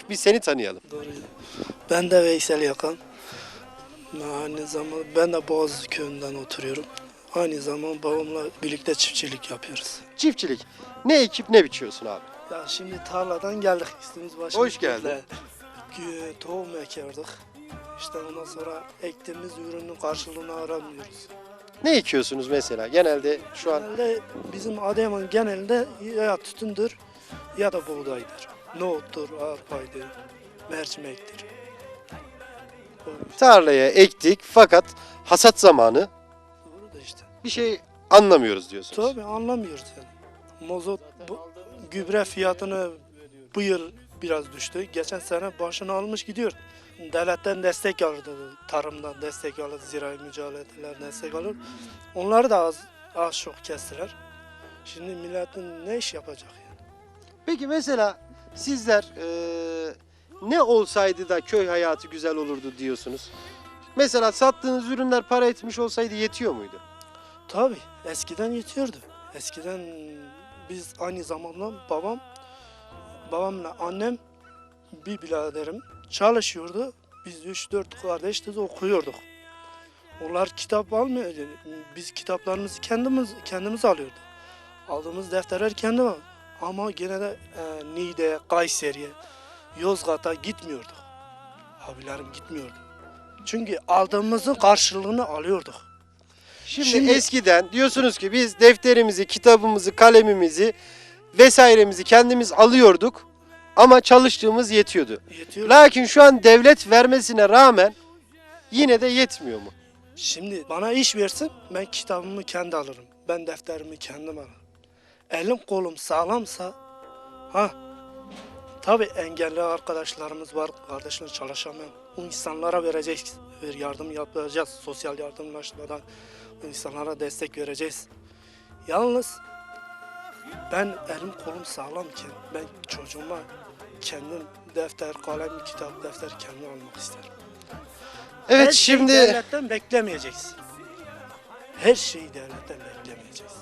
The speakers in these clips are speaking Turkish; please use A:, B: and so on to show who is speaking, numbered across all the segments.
A: Bir seni tanıyalım.
B: Doğru. Ben de Veysel Yakan. Aynı zamanda ben de Boğaz köyünden oturuyorum. Aynı zamanda babamla birlikte çiftçilik yapıyoruz.
A: Çiftçilik. Ne ekip ne biçiyorsun abi?
B: Ya şimdi tarladan geldik. Üstümüz başımız
A: Hoş geldin.
B: böyle. Tohum ekerdik. İşte ondan sonra ektiğimiz ürünün karşılığını aramıyoruz.
A: Ne ekiyorsunuz mesela? Genelde şu an
B: Genelde bizim Adıyaman genelinde ya tütündür ya da buğdaydır. Nohuttur, arpaydır, mercimektir.
A: tarlaya ektik fakat hasat zamanı
B: Doğru da işte.
A: bir şey anlamıyoruz diyorsunuz.
B: Tabii anlamıyoruz yani. Mazot, gübre fiyatını bu yıl biraz düştü. Geçen sene başını almış gidiyor. Devletten destek alırdı, tarımdan destek alır, zirai mücadeleler destek alır. Onları da az çok kestiler. Şimdi milletin ne iş yapacak yani?
A: Peki mesela sizler ne olsaydı da köy hayatı güzel olurdu diyorsunuz? Mesela sattığınız ürünler para etmiş olsaydı yetiyor muydu?
B: Tabii eskiden yetiyordu. Eskiden biz aynı zamanda babamla annem, bir biraderim çalışıyordu. Biz 3-4 kardeşiz, okuyorduk. Onlar kitap almıyordu. Biz kitaplarımızı kendimiz alıyorduk. Aldığımız defterler kendi var. Ama gene de Niğde'ye, Kayseri'ye, Yozgat'a gitmiyorduk. Abilerim gitmiyordu. Çünkü aldığımızın karşılığını alıyorduk.
A: Şimdi eskiden diyorsunuz ki biz defterimizi, kitabımızı, kalemimizi vesairemizi kendimiz alıyorduk ama çalıştığımız yetiyordu.
B: Yetiyor.
A: Lakin şu an devlet vermesine rağmen yine de yetmiyor mu?
B: Şimdi bana iş versin, ben kitabımı kendi alırım. Ben defterimi kendim alırım. Elim kolum sağlamsa, tabii engelli arkadaşlarımız var, kardeşler çalışamayan. O insanlara vereceğiz, yardım yapacağız, sosyal yardımlaşmadan o insanlara destek vereceğiz. Yalnız ben elim kolum sağlamken ben çocuğuma kendim defter, kalem, kitap, defter kendim almak isterim.
A: Evet
B: Her şeyi
A: şimdi
B: devletten beklemeyeceksin. Her şeyi devletten beklemeyeceksin.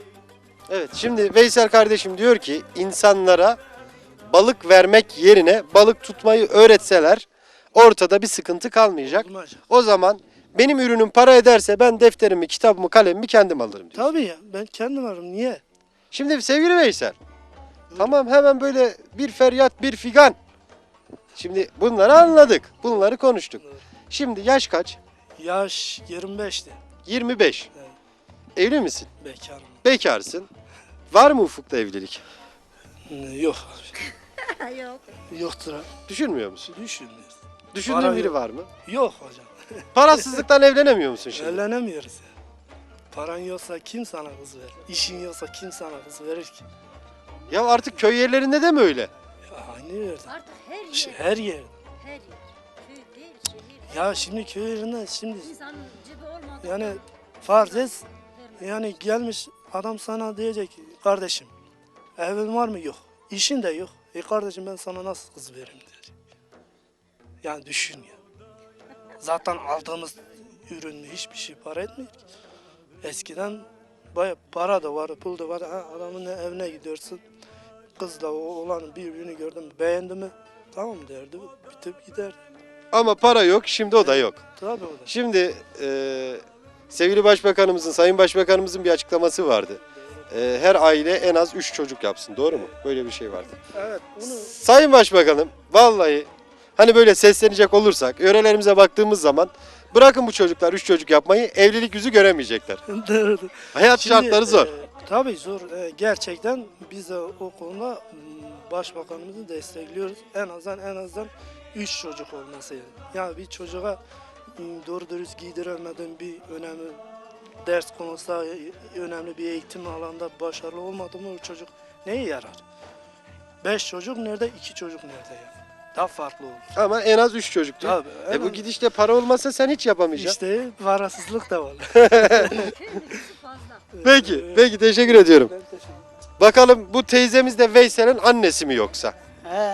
A: evet şimdi Veysel kardeşim diyor ki insanlara balık vermek yerine balık tutmayı öğretseler ortada bir sıkıntı kalmayacak.
B: Olmayacak.
A: O zaman benim ürünüm para ederse ben defterimi, kitabımı, kalemimi kendim alırım diyor.
B: Tabii ya, ben kendim alırım. Niye?
A: Şimdi sevgili Veysel, tamam hemen böyle bir feryat bir figan. Şimdi bunları anladık, bunları konuştuk. Şimdi yaş kaç?
B: Yaş 25'ti.
A: 25.
B: Evet.
A: Evli misin?
B: Bekarım.
A: Bekarsın. Var mı ufukta evlilik?
B: Yok.
C: Yok.
B: Yoktur.
A: Düşünmüyor musun?
B: Düşünmüyoruz.
A: Düşündüğün
B: Para
A: biri
B: yok.
A: var mı?
B: Yok hocam.
A: Parasızlıktan evlenemiyor musun şimdi?
B: Evlenemiyoruz ya. Paran yoksa kim sana kız verir? İşin yoksa kim sana kız verir ki?
A: Ya artık köy yerlerinde de mi öyle?
B: Ya aynı yerde.
C: Artık her yer.
B: Her yer.
C: Her yer. Köy değil, şehir.
B: Ya şimdi köy yerinde şimdi
C: İnsanın cebi olmadı.
B: yani farz et yani gelmiş adam sana diyecek ki kardeşim evin var mı? Yok. İşin de yok. Kardeşim ben sana nasıl kız veririm diyecek. Yani düşün ya. Zaten aldığımız ürün hiçbir şey para etmiyor ki. Eskiden bayağı para da var, pul da var. Adamın evine gidiyorsun. Kızla oğlanın birbirini gördün mü, beğendi mi? Tamam derdi, bitip gider.
A: Ama para yok, şimdi o da yok.
B: Tabii o da.
A: Şimdi sevgili başbakanımızın, sayın başbakanımızın bir açıklaması vardı. Her aile en az 3 çocuk yapsın, doğru mu? Böyle bir şey vardı.
B: Evet, bunu
A: Sayın başbakanım, vallahi hani böyle seslenecek olursak, yörelerimize baktığımız zaman bırakın bu çocuklar 3 çocuk yapmayı, evlilik yüzü göremeyecekler.
B: derdi.
A: Hayat
B: Şimdi,
A: şartları zor.
B: Tabii zor. Gerçekten biz de o konuda başbakanımızı destekliyoruz. En azından 3 çocuk olması yani. Yani bir çocuğa doğru dürüst giydiremeden bir önemli ders konusu, önemli bir eğitim alanda başarılı olmadı mı o çocuk neye yarar? 5 çocuk nerede, 2 çocuk nerede yani? Daha farklı olur.
A: Ama en az 3 çocuk diyor.
B: Tabii.
A: Bu gidişle para olmasa sen hiç yapamayacaksın.
B: İşte parasızlık da var.
C: Köy nüfusu fazla.
A: Peki teşekkür ediyorum.
B: Ben teşekkür ederim.
A: Bakalım bu teyzemiz de Veysel'in annesi mi yoksa?
D: He.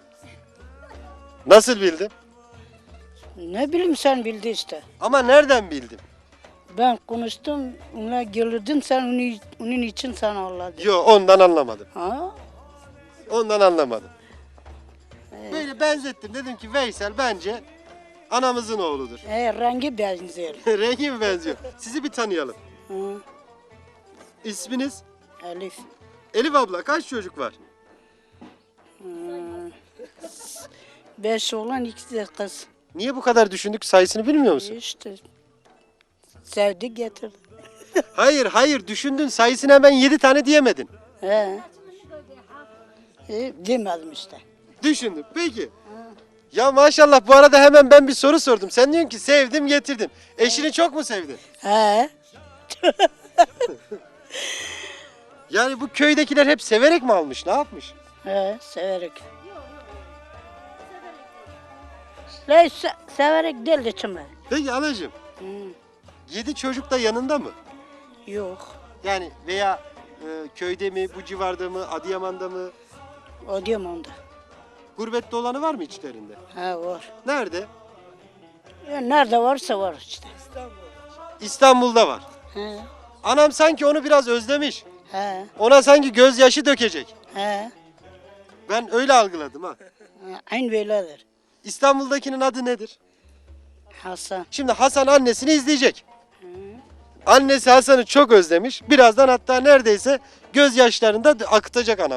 A: Nasıl bildin?
D: Ne bileyim sen bildi işte.
A: Ama nereden bildin?
D: Ben konuştum, ona gelirdim sen onun için sana Allah dedi.
A: Yo ondan anlamadım.
D: Ha?
A: Ondan anlamadım. Böyle Yani benzettim. Dedim ki Veysel bence anamızın oğludur.
D: Rengi benziyor.
A: Rengi mi benziyor? Sizi bir tanıyalım.
D: Hı,
A: İsminiz?
D: Elif.
A: Elif abla kaç çocuk var?
D: 5 oğlan 2 de kız.
A: Niye bu kadar düşündük, sayısını bilmiyor musun?
D: İşte sevdi getirdi.
A: Hayır düşündün, sayısını hemen 7 tane diyemedin.
D: He. Demedim işte.
A: Düşündüm. Peki. Ya maşallah, bu arada hemen ben bir soru sordum. Sen diyorsun ki sevdim getirdim. Eşini çok mu sevdin?
D: He.
A: Yani bu köydekiler hep severek mi almış? Ne yapmış?
D: He, severek. Ne severek değil de çömel.
A: Peki anacığım,
D: Hı,
A: 7 çocuk da yanında mı?
D: yok.
A: Yani veya köyde mi, bu civarda mı, Adıyaman'da mı?
D: O diyorum onda.
A: Gurbette olanı var mı içlerinde?
D: He var.
A: Nerede?
D: Ya nerede varsa var işte.
A: İstanbul'da var.
D: He.
A: Anam sanki onu biraz özlemiş.
D: He.
A: Ona sanki gözyaşı dökecek.
D: He.
A: Ben öyle algıladım ha.
D: Aynı böyledir.
A: İstanbul'dakinin adı nedir?
D: Hasan.
A: Şimdi Hasan annesini izleyecek. Annesi Hasan'ı çok özlemiş. Birazdan hatta neredeyse gözyaşlarını da akıtacak anam.